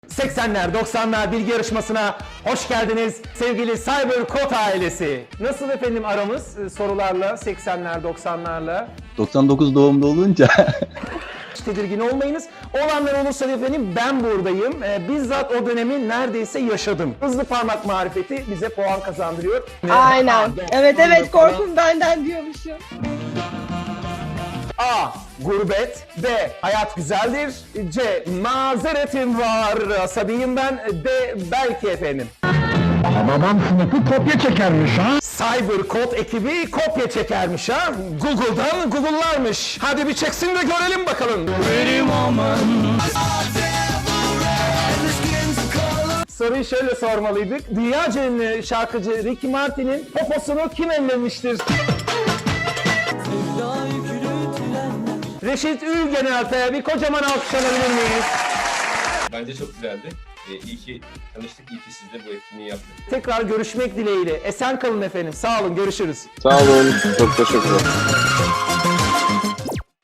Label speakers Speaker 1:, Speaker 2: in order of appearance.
Speaker 1: 80'ler 90'lar bilgi yarışmasına hoş geldiniz sevgili CyberCode ailesi. Nasıl efendim aramız sorularla 80'ler 90'larla?
Speaker 2: 99 doğumlu olunca
Speaker 1: Hiç tedirgin olmayınız. Olanlar olursa da efendim ben buradayım. Bizzat o dönemi neredeyse yaşadım. Hızlı parmak marifeti bize puan kazandırıyor.
Speaker 3: Aynen. Evet korkun benden diyormuşum.
Speaker 1: A. Gurbet. B. Hayat güzeldir. C. Mazeretim var. Asabiyim ben. D. Belki efendim.
Speaker 4: Babam sınıfı kopya çekermiş ha.
Speaker 1: CyberCode ekibi kopya çekermiş ha. Google'dan Google'larmış. Hadi bir çeksin de görelim bakalım. Soruyu şöyle sormalıydık. Dünyaca ünlü şarkıcı Ricky Martin'in poposunu kim ellemiştir? Reşit Ülgenel'e bir kocaman alkış alabilir miyiz?
Speaker 5: Bence çok güzeldi. İyi ki tanıştık, iyi ki siz de bu etkinliği yaptık.
Speaker 1: Tekrar görüşmek dileğiyle. Esen kalın efendim. Sağ olun. Görüşürüz.
Speaker 6: Sağ olun. Çok teşekkürler.